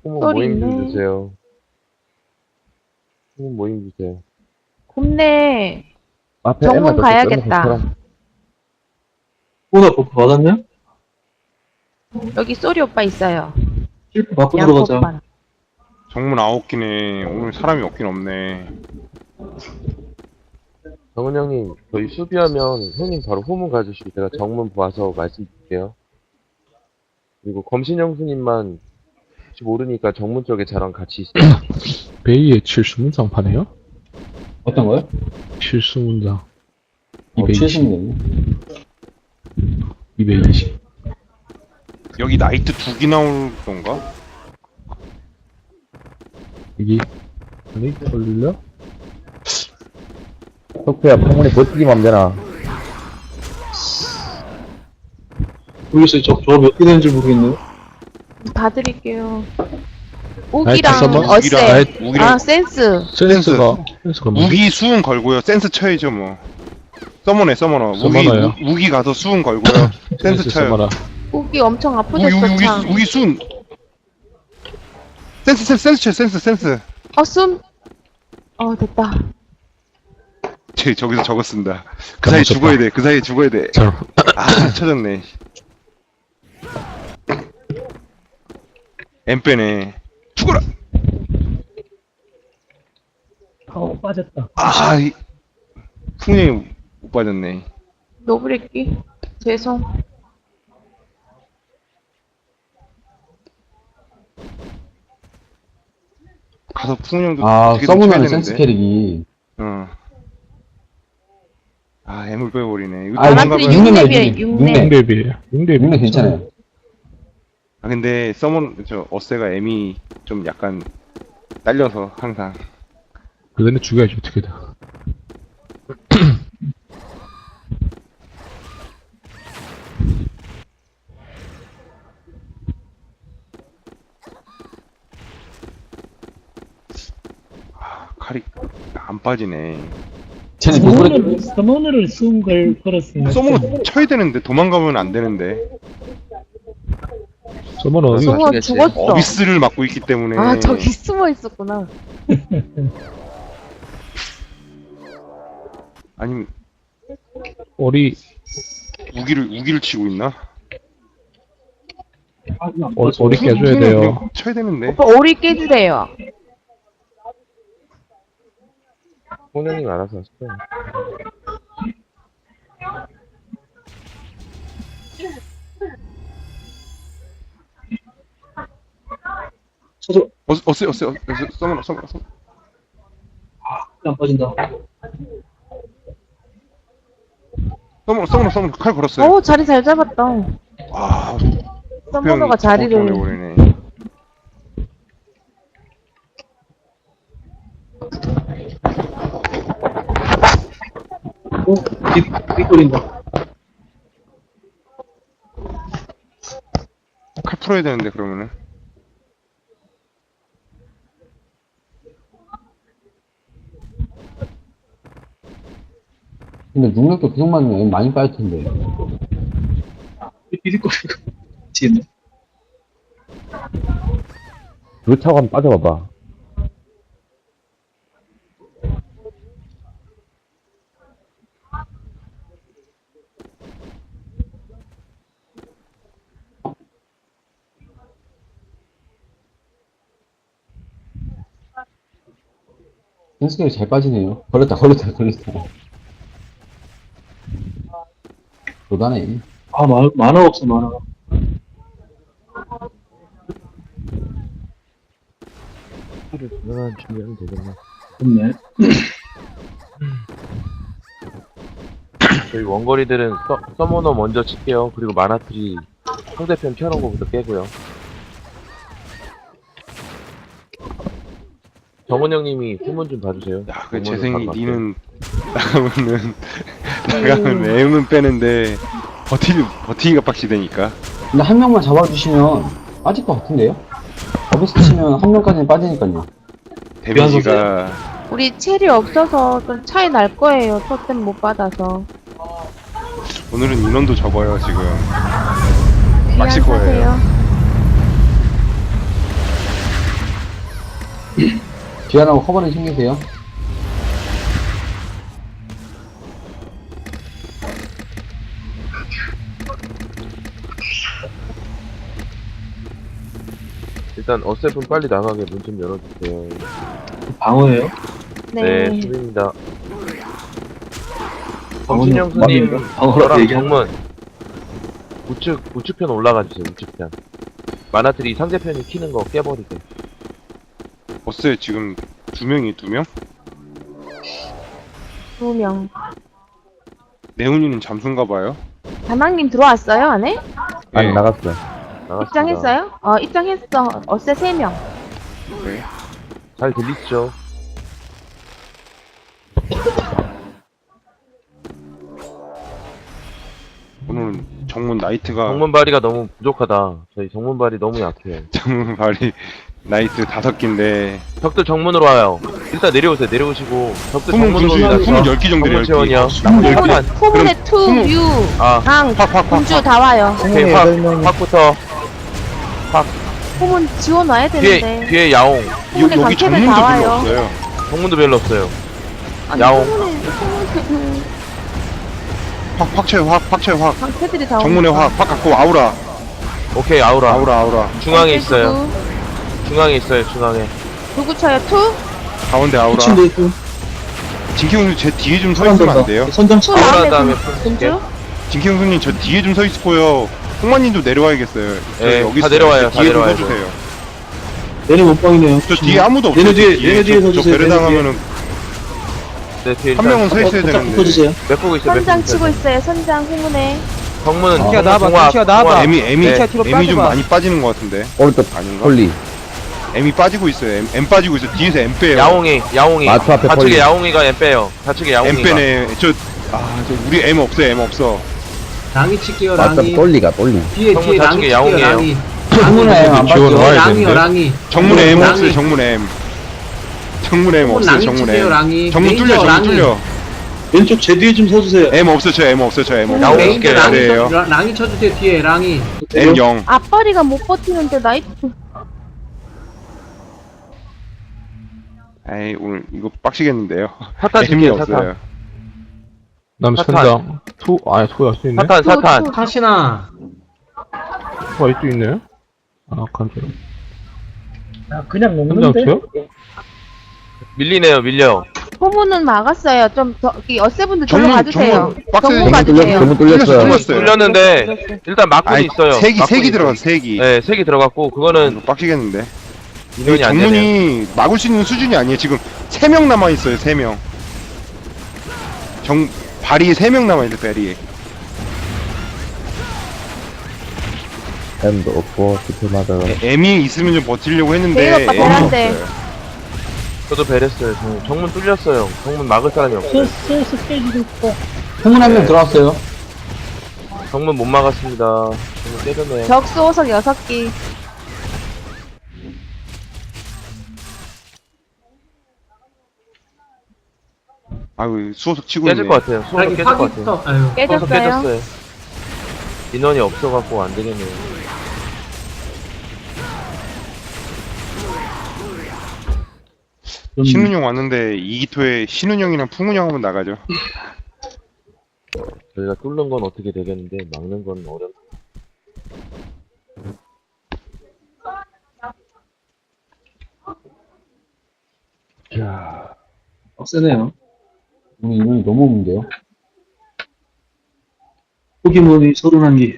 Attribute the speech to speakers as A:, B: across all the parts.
A: 후문
B: 썰이
A: 모임 좀
B: 있네.
A: 주세요. 후문 모임 주세요.
B: 굽네.
A: 앞에
B: 정문
A: 엠마 넣고
B: 가야겠다.
A: 엠마
C: 보다 버프 받았냐?
B: 여기 쏘리 오빠 있어요.
C: 실프 받고
B: 양코
C: 들어가자.
B: 오빠랑.
D: 정문 9개네. 오늘 사람이 없긴 없네.
A: 정은 형님, 저희 수비하면 형님 바로 후문 가주시고 제가 정문 봐서 말씀드릴게요. 그리고 검신 형수님만 혹시 모르니까 정문 쪽에 저랑 같이 있어요.
E: 베이의 칠수문장 파네요?
C: 어떤 거요?
E: 칠수문장 220,
C: 최신이네.
E: 220.
D: 여기 나이트 2개 나올 건가?
E: 여기 아니 걸려?
A: 석표야, 방문에 버티기만 하면 되나?
C: 모르겠어요. 저거 몇 개 되는지 모르겠네요.
B: 봐드릴게요.
E: 나이트
B: 우기랑
E: 서머?
B: 어세.
E: 나이트
D: 우기랑-
B: 아, 센스.
E: 센스가 뭐?
D: 우기 수은 걸고요. 센스 쳐야죠 뭐. 서머너.
E: 서머너요?
D: 우기 가서 수은 걸고요. 센스 쳐요.
E: 써봐라.
B: 우기 엄청 아프셨어, 참.
D: 우기 수은. 센스 쳐요. 센스.
B: 숨. 됐다.
D: 저기서 저거 쓴다. 그 사이에 죽어야 돼.
E: 자,
D: 쳐졌네. 엠 빼네. 죽어라!
C: 빠졌다.
D: 풍량이 못 빠졌네.
B: 노브레끼. 죄송.
D: 가서 풍량도
C: 아,
D: 되게
C: 서브너는
D: 쳐야
C: 센스
D: 되는데.
C: 캐릭이.
D: M을 빼버리네. 이거
C: 아,
B: 나라트리
D: 도망가면-
C: 육렙
B: 6렙이에요, 6렙.
E: 6렙이에요. 6렙이
C: 물론 괜찮아요.
D: 근데 어세가 M이 좀 약간 딸려서 항상.
E: 그전에 죽여야지 어떻게든.
D: 칼이 안 빠지네.
C: 쟤는 누구를
F: 서머너를 쓴 걸 걸었으니까
D: 서머너 쳐야 되는데 도망가면 안 되는데.
E: 서머너 어디
B: 승호
E: 갔어?
B: 죽었어.
D: 어비스를 막고 있기 때문에.
B: 아, 저기 숨어 있었구나.
D: 아니면
E: 우리
D: 우기를 치고 있나?
E: 우리 깨줘야 돼요.
D: 그냥 쳐야 되는데.
B: 오빠 오리 깨주래요.
A: 홍 형님 알아서 하세요.
C: 저도
D: 어세 서머너.
C: 안 빠진다.
D: 서머너 칼 걸었어요.
B: 자리 잘 잡았다.
D: 아,
B: 서머너가 자리를.
D: 보내버리네.
C: 빅거린다.
D: 칼 풀어야 되는데 그러면은.
C: 근데 능력도 계속 맞으면 많이 빠질 텐데. 빅거리고. 지금.
A: 루차고 한번 빠져봐봐.
C: 센스 캐릭 잘 빠지네요. 걸렸다. 도다네. 아, 만화 없어, 만화.
A: 칼을 그만 준비하면 되겠네.
C: 없네.
A: 저희 원거리들은 서머너 먼저 칠게요. 그리고 마나트리 상대편 켜놓은 거부터 깨고요. 정은 형님이 후문 좀 봐주세요.
D: 야, 그
A: 후문을
D: 재생이
A: 바로
D: 니는 나가면 M은 빼는데 버티기가 빡시되니까.
C: 근데 한 명만 잡아주시면 빠질 것 같은데요? 어비스 치면 한 명까지는 빠지니까요.
D: 데미지가
B: 우리 첼이 없어서 좀 차이 날 거예요. 토템 못 받아서.
D: 오늘은 인원도 적어요 지금. 빡칠 거예요.
B: 귀환하세요.
C: 뒤안하고 커버는 챙기세요.
A: 일단 어셉은 빨리 나가게 문 좀 열어주세요.
F: 방어예요?
A: 네,
B: 네.
A: 수빈입니다. 검신영수님,
F: 방어라고
A: 저랑
F: 얘기하는
A: 정문 우측편 올라가주세요. 우측편. 마나트리 상대편이 키는 거 깨버리게.
D: 버스에 지금 2명이 2명?
B: 2명.
D: 네훈이는 잠수인가 봐요.
B: 다낭님 들어왔어요, 안에?
A: 아니,
D: 네.
A: 나갔어요. 나갔습니다.
B: 입장했어요? 입장했어. 어세 3명.
D: 네.
A: 잘 들리시죠?
D: 오늘은 정문 나이트가
A: 정문발이가 너무 부족하다. 저희 정문발이 너무 약해요.
D: 정문 발이 나이트 5개인데
A: 적들 정문으로 와요. 일단 내려오세요. 내려오시고 적들
D: 후문
A: 정문으로
D: 군주
A: 옵니다.
D: 후문 10개 정도
A: 정문 채원이요.
B: 후문에 투,
D: 후문-
B: 유,
A: 아,
B: 강,
D: 확
B: 군주 다 와요.
A: 오케이, 확부터.
B: 후문 지원 와야 되는데.
A: 뒤에 야옹.
B: 후문에
D: 여기
B: 강캐들
D: 정문도
B: 다
D: 별로
B: 와요.
D: 없어요.
A: 정문도 별로 없어요.
B: 아니,
A: 야옹.
B: 후문에
D: 확채
B: 강캐들이 다
D: 정문에
B: 오니까.
D: 확 갖고 아우라
A: 오케이, 아우라.
D: 아우라
A: 중앙에
B: 강캐
A: 있어요.
B: 누구?
A: 중앙에 있어요, 중앙에.
B: 누구 쳐요? 투?
D: 가운데 아우라
F: 미친데 또
D: 진경수 제 뒤에 좀 서 있으면 안 돼요?
F: 선장
B: 투
A: 아우라
B: 나한테
A: 다음에
B: 군주?
D: 진경수님 저 뒤에 좀 서 있고요. 홍만님도 내려와야겠어요. 저
A: 네,
D: 여기
A: 다
D: 있어요.
A: 내려와요,
D: 저
A: 다
D: 뒤에 좀
A: 내려와요.
D: 서주세요.
F: 얘네 못방이네요.
D: 저 뒤에 아무도 없어요.
F: 얘네 뒤에,
D: 저
F: 얘네 뒤에
D: 저
F: 서주세요.
D: 배를 당하면은
A: 네, 뒤에
D: 한 명은 서 있어야
F: 살짝
D: 되는데.
F: 붙어주세요.
A: 몇 보고 있어요,
B: 선장 치고 있어요. 선장 후문에.
A: 정문,
C: 튀어
A: 나와봐,
D: 와, M
A: 네.
D: 좀 많이 빠지는 것 같은데.
C: 오른쪽
D: 아닌가?
C: 폴리.
D: M이 빠지고 있어요. M 빠지고 있어. 뒤에서 M 빼요.
A: 야옹이.
C: 마트 앞에
A: 좌측에
C: 펄리.
A: 야옹이가 M 빼요. 좌측에
D: M
A: 야옹이가.
D: 빼네. 저 우리 M 없어요. M 없어.
G: 랑이 칠게요.
C: 맞다
G: 랑이
C: 폴리가 폴리.
G: 뒤에
A: 정문
G: 뒤에 랑이
A: 좌측에
G: 칠게요.
A: 야옹이에요.
G: 랑이
C: 창문에 안
E: 지원
C: 봤죠?
E: 와야
G: 랑이요
E: 되는데.
G: 랑이
D: 정문에 M
G: 랑이.
D: 없어요. 정문 M. 정문에 M
G: 정문
D: 없어요.
G: 랑이
D: 정문
G: 칠게요.
D: M.
G: 랑이
D: 정문 뚫려.
G: 레인저
D: 정문
G: 랑이.
D: 뚫려.
F: 왼쪽 제 뒤에 좀 서주세요.
D: M 없어. 저 M 없어. 저 M 없어.
A: 야옹
G: 레인저
A: 칠게요.
G: 랑이
D: 그래요.
G: 랑이 쳐주세요. 뒤에 랑이
D: M 0.
B: 앞벌이가 못 버티는데 나이트.
D: 에이 오늘 이거 빡시겠는데요.
A: 사탄
D: M이
A: 줄게요,
D: 없어요.
A: 사탄.
E: 다음
A: 사탄.
E: 선장. 투야 수 있네.
A: 사탄.
G: 타시나
E: 투가 이쪽 있네. 아, 간절.
F: 그냥
E: 선장
F: 먹는데?
E: 투요?
A: 밀리네요, 밀려요.
B: 후문은 막았어요. 좀 더, 이 어세분들 절로
D: 정문,
B: 가주세요.
D: 정문 빡세게
B: 정문 가주세요.
C: 너무 뚫렸어요.
D: 뚫렸어요.
A: 뚫렸는데, 일단 막군이
D: 아니
A: 있어요.
D: 색이
A: 막군이 있어요.
D: 들어간 색이.
A: 네, 색이 들어갔고, 그거는
D: 이거 빡시겠는데.
A: 인원이 안 되네요.
D: 정문이 막을 수 있는 수준이 아니에요. 지금 3명 남아 있어요. 3명. 발이 3명 남아 있는데 발이.
C: M도 없고 디플마다.
D: M이 있으면 좀 버티려고 했는데
B: 대인 오빠
D: M이
B: 베란데.
D: 없어요.
A: 저도 베랬어요. 정문 뚫렸어요. 정문 막을 사람이 없어요.
F: 소스 깨지고 있고.
C: 창문 한 명 들어왔어요.
A: 정문 못 막았습니다. 정문 깨졌네요.
B: 적수 호석 6기.
D: 아유 수호석 치고
A: 깨질
D: 있네.
A: 것 같아요. 수호석
G: 랑이
A: 깨질 것 같아요.
G: 파기부터 아유
A: 수호석
B: 깨졌어요.
A: 깨졌어요. 인원이 없어갖고 안 되겠네요.
D: 신은영 왔는데 이기토에 신은영이랑 풍은영 한번 나가죠.
A: 저희가 뚫는 건 어떻게 되겠는데, 막는 건 어렵.
F: 빡세네요.
C: 우리 인원이 너무 없는데요.
F: 포기몬이 31개.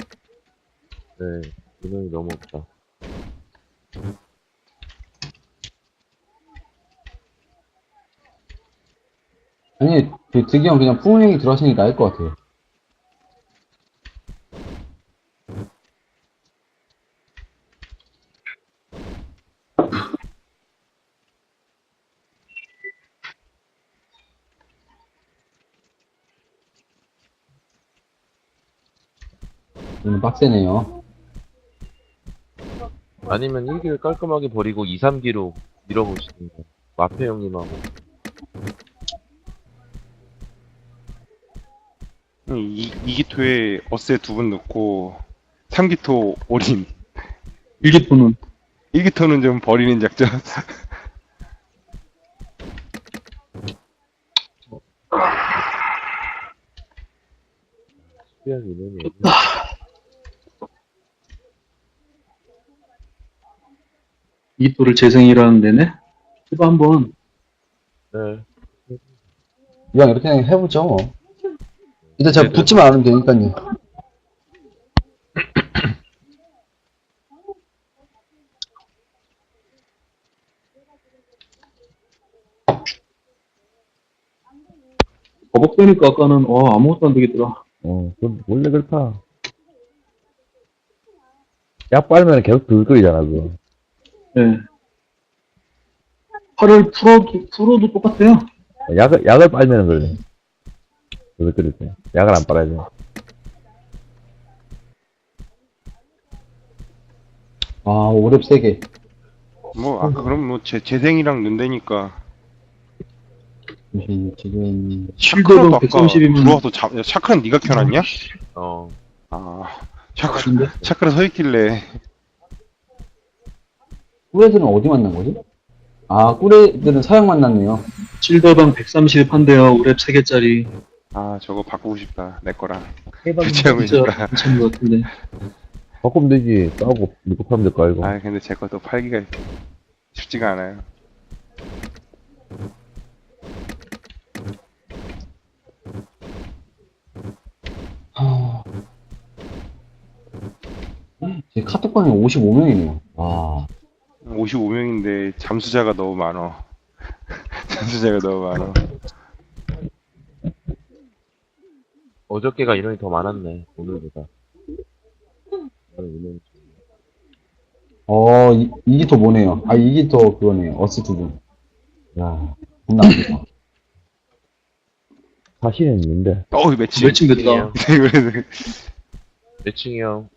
A: 네, 인원이 너무 없다.
C: 아니 그 득이 형 그냥 풍은형이 들어가시는 게 나을 것 같아요. 이는 빡세네요.
A: 아니면 1기를 깔끔하게 버리고 2, 3기로 밀어보시든가. 마페 형님하고.
D: 이기토에 어세 2분 넣고 3기토 올인.
F: 1기토는
D: 1기토는 좀 버리는 작전.
A: 수비한 인원이에요.
F: 이토를 재생이라는 데네? 해봐, 한번.
A: 네.
C: 그냥 이렇게 그냥 해보죠, 뭐. 일단 제가
A: 네네.
C: 붙지만 않으면 되니까요.
F: 버벅대니까 아까는, 아무것도 안 되겠더라.
H: 그건 원래 그렇다. 약 빨면 계속 들끓이잖아, 그거.
F: 예. 팔을 풀어도 똑같아요.
H: 약을 빨면 그러네. 그걸 끓일 때. 약을 안 빨아야 돼.
C: 아, 오랩 3개.
D: 뭐 아까 그럼 뭐 재생이랑 는다니까.
C: 지금,
D: 샤크라도 아까
F: 130이면
D: 들어와서 샤크라는 네가 켜놨냐?
A: 어.
D: 아 샤크라 서 있길래.
C: 꿀애들은 어디 만난 거지? 아, 꿀애들은 서양 만났네요.
F: 실더방 130 한대요. 우랩 3개짜리.
D: 아 저거 바꾸고 싶다 내 거랑.
F: 해방
D: 교체하고
F: 진짜
D: 있으니까.
F: 괜찮은 것 같은데.
H: 바꾸면 되지. 싸우고, 이거 파면 될 거 알고.
D: 아 근데 제 것도 팔기가 쉽지가 않아요.
C: 제 카톡방에 55명이네요. 와.
D: 55명인데 잠수자가 너무 많어. 잠수자가 너무 많어.
A: 어저께가 인원이 더 많았네, 오늘보다. 오늘 인원이
C: 이게 더 뭐네요. 아, 이게 더 그거네요. 어스 두 분. 야, 겁나 안 좋다.
H: 사실은 있는데.
D: 매칭.
F: 매칭 됐다.
D: 그래서
A: 몇 층이요?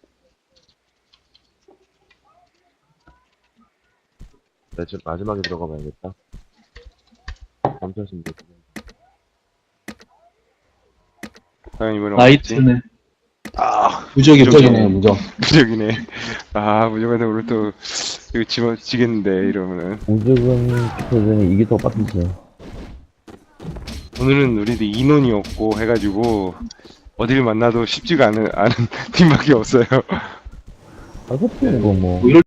A: 나 지금 마지막에 들어가 봐야겠다. 감사하십니다.
D: 과연 이번에
F: 나이트네.
D: 아
F: 무적이
C: 무적이네요, 무적.
D: 무적이네. 아 무적한테 오늘 또 이거 지겠는데 이러면은.
H: 무적은 표전이 이게 더 빡치죠.
D: 오늘은 우리도 인원이 없고 해가지고 어딜 만나도 쉽지가 않은 팀밖에 없어요.
H: 아, 호프는 뭐.
F: 뭐 이럴